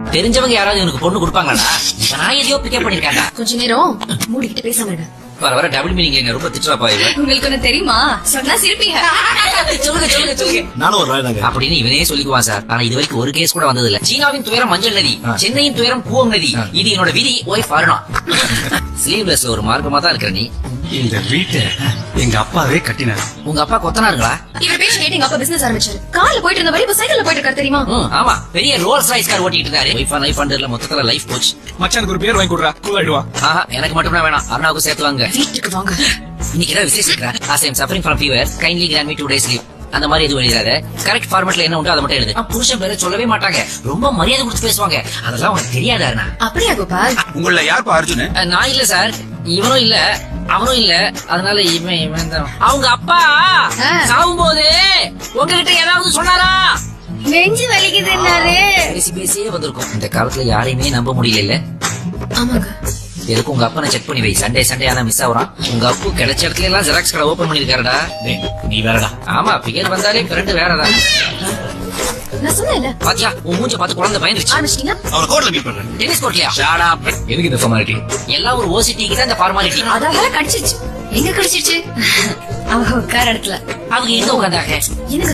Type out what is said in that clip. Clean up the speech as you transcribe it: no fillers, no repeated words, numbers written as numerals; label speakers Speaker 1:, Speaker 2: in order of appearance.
Speaker 1: தெரிஞ்சவங்க யாராவது இவனுக்கு பொண்ணு கொடுப்பாங்களா? நான் எதையோ பிக்கப் பண்ணிருக்கேன்டா.
Speaker 2: கொஞ்ச நேரம் மூடிக்கிட்டு பேசாம இருங்க.
Speaker 1: வர வர டபுள் மீனிங் ரொம்ப திட்டுறாப்பா இவன்.
Speaker 2: உங்களுக்கு ஒண்ணு தெரியுமா? சொன்னா சிரிப்பீங்க.
Speaker 1: சொல்லுங்க சொல்லுங்க சொல்லுங்க.
Speaker 3: நானும் ஒரு ராய் தாங்க
Speaker 1: அப்படின்னு இவனே சொல்லிக்குவான் சார். ஆனா இது வரைக்கும் ஒரு கேஸ் கூட வந்தது இல்ல. சீனாவின் துயரம் மஞ்சள் நதி, சென்னையின் துயரம் கூவம் நதி. இது என்னோட விதி. ஒய்ஃப் அருணா. ஸ்லீவ்லெஸ்ல ஒரு மார்க்கமா தான் இருக்கிற நீ.
Speaker 3: இந்த வீட்டை எங்க அப்பாவே கட்டினார்.
Speaker 1: உங்க அப்பா கொத்தனாருங்களா?
Speaker 2: இவர் பேச்சு கேட்டு எங்க அப்பா பிசினஸ் ஆரம்பிச்சாரு. கார்ல போயிட்டு இருந்த வரை இப்ப சைக்கிள்ல போயிட்டு இருக்காரு தெரியுமா?
Speaker 1: ஆமா, பெரிய ரோல்ஸ் ராய்ஸ் கார் ஓட்டிட்டு இருந்தாரு. ஒய்ஃப் அண்ட் லைஃப் அண்டர்ல மொத்தத்துல லைஃப் போச்சு.
Speaker 3: மச்சானுக்கு ஒரு பேர் வாங்கி கொடுறா, கூல் ஆயிடுவா.
Speaker 1: ஆஹா, எனக்கு மட்டும் தான் வேணாம், அருணாவுக்கு சேர்த்து வாங்க.
Speaker 2: வீட்டுக்கு வாங்க.
Speaker 1: இன்னைக்கு ஏதாவது விசேஷம் இருக்கா? as I am suffering from fever, kindly grant me 2 days leave. அந்த மாதிரி எதுவும் எழுதாத. கரெக்ட் ஃபார்மட்ல என்ன உண்டோ அதை மட்டும் எழுது. புருஷன் பேரை சொல்லவே மாட்டாங்க, ரொம்ப மரியாதை கொடுத்து பேசுவாங்க. அதெல்லாம் உனக்கு தெரியாதா அருணா?
Speaker 2: அப்படியா கோபால்?
Speaker 3: உங்கள யாருப்பா அர்ஜுன்?
Speaker 1: நான் இல்ல சார், இவனும் இல்ல, அவனும் இல்ல. அதனால இவன் தான். அவங்க அப்பா சாவும் போது உங்ககிட்ட ஏதாவது சொன்னாரா?
Speaker 2: நெஞ்சு வலிக்குதுன்னாரு.
Speaker 1: பேசி பேசியே வந்திருக்கும். இந்த காலத்துல யாரையுமே நம்ப முடியல இல்ல.
Speaker 2: ஆமாங்க.
Speaker 1: எதுக்கு உங்க அப்பனை செக் பண்ணி வை. சண்டே ஆனா மிஸ் ஆகுறான். உங்க அப்பு கிடைச்ச இடத்துல எல்லாம் ஜெராக்ஸ் கடை ஓபன் பண்ணிருக்காருடா.
Speaker 3: நீ வேறடா.
Speaker 1: ஆமா, பிகர் வந்தாலே ஃப்ரெண்ட் வேறதான்.
Speaker 2: நான் சொன்னேன்ல.
Speaker 1: பாத்தியா, உன் மூஞ்ச பார்த்து குழந்தை பயந்துருச்சு.
Speaker 2: ஆரம்பிச்சிட்டீங்க?
Speaker 3: அவன கோர்ட்ல மீட் பண்றேன்.
Speaker 1: டென்னிஸ் கோர்ட்லயா?
Speaker 3: Shut up. எதுக்கு இந்த ஃபார்மாலிட்டி?
Speaker 1: எல்லாம் ஒரு ஓசிட்டிக்கு தான் இந்த ஃபார்மாலிட்டி.
Speaker 2: அதால கடிச்சிருச்சு. எங்க கடிச்சிருச்சு? அவங்க உட்கார இடத்துல.
Speaker 1: அவங்க எங்க உட்காந்தாங்க?
Speaker 2: எனக்கு